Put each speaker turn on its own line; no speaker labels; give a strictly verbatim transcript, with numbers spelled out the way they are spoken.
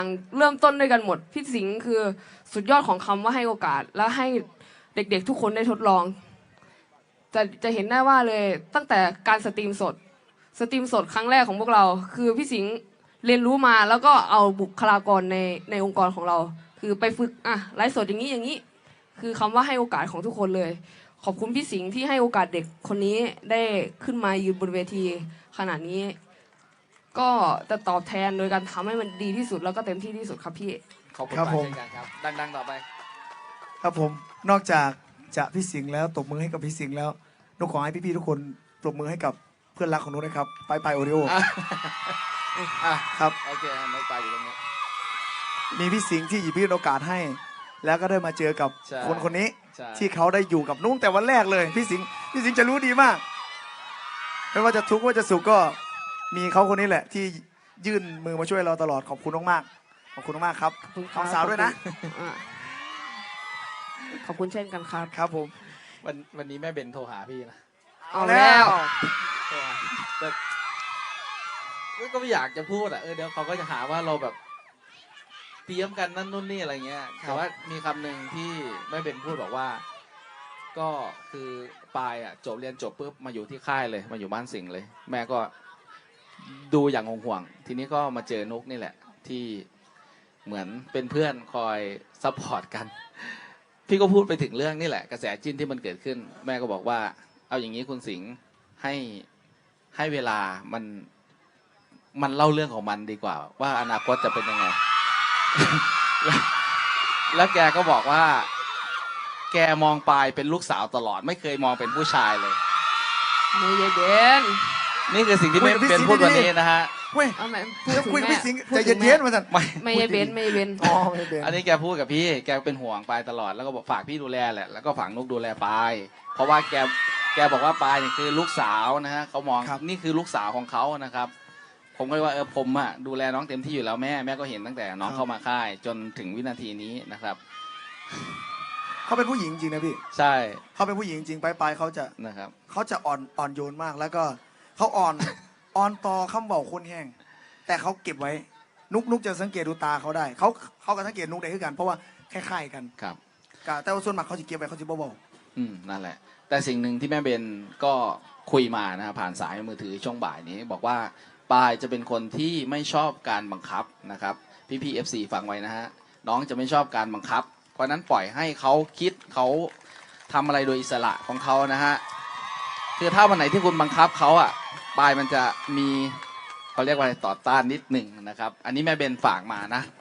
เริ่มต้นด้วยกันหมดพี่สิงห์คือสุดยอดของคำว่าให้โอกาสและให้เด็กๆทุกคนได้ทดลองจะจะเห็นได้ว่าเลยตั้งแต่การสตรีมสดสตรีมสดครั้งแรกของพวกเราคือพี่สิงห์เรียนรู้มาแล้วก็เอาบุคลากรในในองค์กรของเราคือไปฝึกอ่ะไลฟ์สดอย่างนี้อย่างนี้คือคำว่าให้โอกาสของทุกคนเลยขอบคุณพี่สิงห์ที่ให้โอกาสเด็กคนนี้ได้ขึ้นมายืนบนเวทีขนาดนี้ก็จะตอบแทนโดยการทำให้มันดีที่สุดแล้วก็เต็มที่ที่สุดครับพี่
ขอบคุณ
ครับ
มาก
ผม
เช่นกันครับดังๆต่อไป
ครับผมนอกจากจะพี่สิงห์แล้วตบมือให้กับพี่สิงห์แล้วนุกขอให้พี่ๆทุกคนปรบมือให้กับเพื่อนรักของนุกนะครับไปไปโอริโอ
อ่ะอ่ะ
ครับ
โอเคน้องปลายอยู่ตรงนี้
มีพี่สิงห์ที่หยิบยื่นโอกาสให้ แล้วก็ได้มาเจอกับ
ใช่
คนคนนี้
ใช่
ที่เขาได้อยู่กับนุ้งแต่วันแรกเลยพี่สิงห์พี่สิงห์จะรู้ดีมากไม่ว่าจะทุกข์ว่าจะสุขก็มีเขาคนนี้แหละ ที่ยื่นมือมาช่วยเราตลอดขอบคุณมากๆขอบคุณมากๆครับ
ขอบคุณค
ข
รั
อบ งสาวด้วยนะ
อ่ะขอบคุณเช่นกันครับ
ครับผม
วันวันนี้แม่เบนโทรหาพี่นะ
เอาแล้ว
โทรหาแต่ก็ไม่อยากจะพูดอ่ะเออเดี๋ยวเขาก็จะหาว่าเราแบบเตรียมกันนั่นนู่นนี่อะไรเงี้ยแต่ว่ามีคำหนึ่งที่แม่เบนพูดบอกว่า ก็คือปายอ่ะจบเรียนจบปุ๊บมาอยู่ที่ค่ายเลยมาอยู่บ้านสิงห์เลย แม่ก็ดูอย่างห่วงๆทีนี้ก็มาเจอนุกนี่แหละที่เหมือนเป็นเพื่อนคอยซัพพอร์ตกัน พี่ก็พูดไปถึงเรื่องนี่แหละกระแสจิ้นที่มันเกิดขึ้น แม่ก็บอกว่า เอาอย่างนี้คุณสิงห์ให้ให้เวลามันมันเล่าเรื่องของมันดีกว่า ว่าอนาคตจะเป็นยังไง แล้วแล้วแกก็บอกว่า แกมองปายเป็นลูกสาวตลอด ไม่เคยมองเป็นผู้ชายเลย
ไม่เย็น
นี่คือสิ่งที่
คุ
ไม่
ยกับพี่
เป็น
สิงห์
พูดวัน
ดีๆ
นี้นะฮะ
เว้ย
เอาไหมพูด
จะ
ถึง
คุยกับ
แม่
พี่สิงห์
พู
ใจ
ดถึง
เย็นๆ
แม่
มาสั่น
ไม่
ไม่เย็นไม่เย็น
อ๋อไม่เป็น
อันนี้แกพูดกับพี่ แกเป็นห่วงปายตลอด แล้วก็บอกฝากพี่ดูแลแหละ แล้วก็ฝากนุกดูแลปาย เพราะว่าแก แกบอกว่าปายเนี่ยคือลูกสาวนะฮะเขามอง
ครับ
นี่คือลูกสาวของเขานะครับ ผมก็เลยว่าเออผมอ่ะดูแลน้องเต็มที่อยู่แล้วแม่ แม่ก็เห็นตั้งแต่น้องเข้ามาค่าย จนถึงวินาทีนี้นะครับ
เขาเป็นผู้หญิงจริงนะพี่
ใช่
เขาเป็นผู้หญิงจริงไปไปเขาจะ
นะครับ
เขาจะอ่อนอ่อนโยนมากแล้วก็เขาอ่อน อ่อนต่อคำเบาคนแห้งแต่เขาเก็บไว้ นุกนุกจะสังเกตดูตาเขาได้เขาเขาก็สังเกตนุกได้คือกัน เพราะว่าคล้ายๆกัน
ครับ
กะแต่ว่าส่วนมากเขาจะเก็บไว้เขาจะเบา
อืมนั่นแหละ แต่สิ่งหนึ่งที่แม่เบนก็คุยมานะฮะผ่านสายมือถือช่วงบ่ายนี้ บอกว่าปายจะเป็นคนที่ไม่ชอบการบังคับนะครับ พี่พีเอฟซีฟังไว้นะฮะน้องจะไม่ชอบการบังคับ เพราะนั้นปล่อยให้เขาคิดเขาทำอะไรโดยอิสระของเขานะฮะคือถ้าวันไหนที่คุณบังคับเขาอ่ะปายมันจะมีเขาเรียกว่าอะไรต่อต้านนิดหนึ่งนะครับ อันนี้แม่เบนฝากมานะ